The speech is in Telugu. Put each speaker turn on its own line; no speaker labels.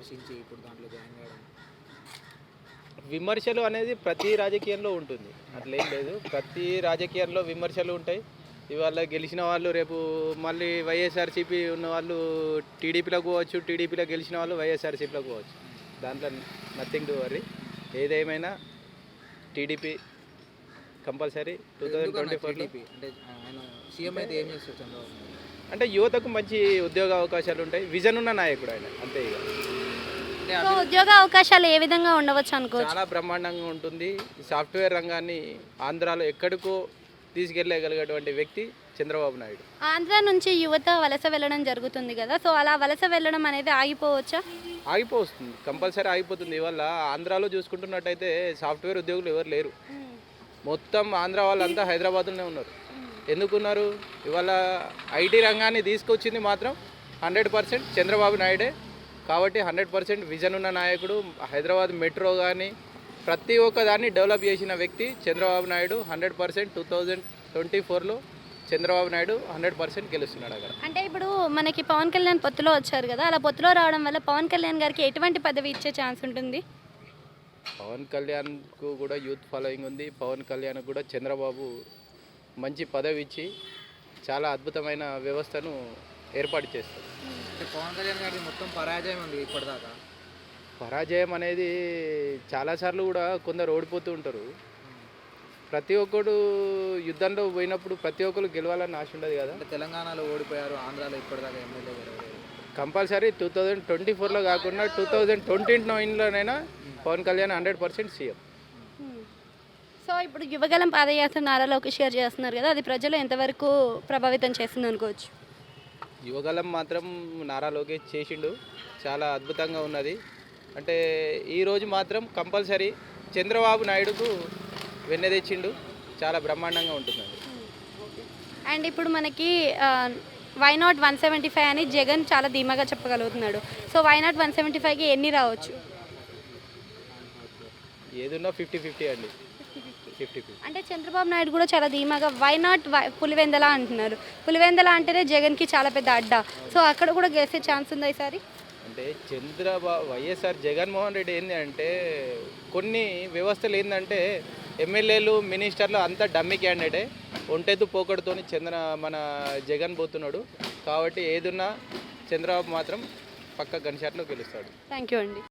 విమర్శించి ఇప్పుడు దాంట్లో జాయిన్ కావడం?
విమర్శలు అనేది ప్రతి రాజకీయంలో ఉంటుంది, అట్లేం లేదు. ప్రతి రాజకీయాల్లో విమర్శలు ఉంటాయి. ఇవాళ గెలిచిన వాళ్ళు రేపు మళ్ళీ వైఎస్ఆర్సీపీ ఉన్న వాళ్ళు టీడీపీలోకి పోవచ్చు, టీడీపీలో గెలిచిన వాళ్ళు వైఎస్ఆర్సీపీలోకి పోవచ్చు. దాంట్లో నథింగ్ టు వర్రీ. ఏదేమైనా టీడీపీ కంపల్సరీ 2024లో.
టీడీపీ అంటే ఆయన సీఎం అయితే ఏం చేస్తారు చంద్రబాబు నాయుడు?
అంటే యువతకు మంచి ఉద్యోగ అవకాశాలు ఉంటాయి. విజన్ ఉన్న నాయకుడు ఆయన, అంతే ఇక.
అంటే
సో ఉద్యోగ అవకాశాలు ఏ విధంగా ఉండవచ్చు అనుకోవచ్చు?
చాలా బ్రహ్మాండంగా ఉంటుంది. సాఫ్ట్వేర్ రంగాన్ని ఆంధ్రాలో ఎక్కడికో తీసుకెళ్ళగలిగేటువంటి వ్యక్తి చంద్రబాబు నాయుడు.
ఆంధ్ర నుంచి యువత వలస వెళ్ళడం జరుగుతుంది కదా, సో అలా వలస వెళ్ళడం అనేది ఆగిపోవచ్చా?
ఆగిపోతుంది, కంపల్సరీ ఆగిపోతుంది. ఇవాళ ఆంధ్రాలో చూసుకుంటున్నట్టయితే సాఫ్ట్వేర్ ఉద్యోగులు ఎవరు లేరు. మొత్తం ఆంధ్ర వాళ్ళంతా హైదరాబాద్లోనే ఉన్నారు. ఎందుకున్నారు? ఇవాళ ఐటీ రంగాన్ని తీసుకొచ్చింది మాత్రం 100% చంద్రబాబు నాయుడే. కాబట్టి 100% విజన్ ఉన్న నాయకుడు. హైదరాబాద్ మెట్రో కానీ ప్రతి ఒక్క దాన్ని డెవలప్ చేసిన వ్యక్తి చంద్రబాబు నాయుడు. 100% 2024లో చంద్రబాబు నాయుడు 100% గెలుస్తున్నాడు అక్కడ.
అంటే ఇప్పుడు మనకి పవన్ కళ్యాణ్ పొత్తులో వచ్చారు కదా, అలా పొత్తులో రావడం వల్ల పవన్ కళ్యాణ్ గారికి ఎటువంటి పదవి ఇచ్చే ఛాన్స్ ఉంటుంది?
పవన్ కళ్యాణ్కు కూడా యూత్ ఫాలోయింగ్ ఉంది. పవన్ కళ్యాణ్ కూడా చంద్రబాబు మంచి పదవి ఇచ్చి చాలా అద్భుతమైన వ్యవస్థను ఏర్పాటు చేస్తారు.
అంటే పవన్ కళ్యాణ్ గారి మొత్తం పరాజయం ఉంది ఇప్పటిదాకా.
పరాజయం అనేది చాలాసార్లు కూడా కొందరు ఓడిపోతూ ఉంటారు. ప్రతి ఒక్కడు యుద్ధంలో పోయినప్పుడు ప్రతి ఒక్కరు గెలవాలని ఆశ ఉండదు కదా.
అంటే తెలంగాణలో ఓడిపోయారు, ఆంధ్రాలో ఇప్పటిదాకా ఎమ్మెల్యే గెలవలేదు.
కంపల్సరీ 2024లో కాకుండా 2029లోనైనా పవన్ కళ్యాణ్ 100% సీఎం.
సో ఇప్పుడు యువగలం పాదయాత్ర నారా లోకేష్ గారు చేస్తున్నారు కదా, అది ప్రజలు ఎంతవరకు ప్రభావితం చేస్తుంది అనుకోవచ్చు?
యువగలం మాత్రం నారా లోకేష్ చేసిండు, చాలా అద్భుతంగా ఉన్నది. అంటే ఈరోజు మాత్రం కంపల్సరీ చంద్రబాబు నాయుడుకు వెన్నె తెచ్చిండు, చాలా బ్రహ్మాండంగా ఉంటుందండి.
అండ్ ఇప్పుడు మనకి వైనాట్ 175 అని జగన్ చాలా ధీమాగా చెప్పగలుగుతున్నాడు. సో వైనాట్ 175కి ఎన్ని రావచ్చు?
ఏదున్నా 50-50 అండి. 50-50.
అంటే చంద్రబాబు నాయుడు కూడా చాలా ధీమాగా వైనాట్ పులివెందల అంటున్నారు. పులివెందల అంటేనే జగన్కి చాలా పెద్ద అడ్డా. సో అక్కడ కూడా గెలిచే ఛాన్స్ ఉందా ఈసారి?
అంటే వైఎస్ఆర్ జగన్మోహన్ రెడ్డి ఏంటి అంటే కొన్ని వ్యవస్థలు ఏంటంటే ఎమ్మెల్యేలు మినిస్టర్లు అంతా డమ్మీ క్యాండిడేటే. ఒంటెద్దు పోకడుతోని మన జగన్ పోతున్నాడు. కాబట్టి ఏదున్నా చంద్రబాబు మాత్రం పక్క గన్ షాట్లో గెలుస్తాడు.
థ్యాంక్ యూ అండి.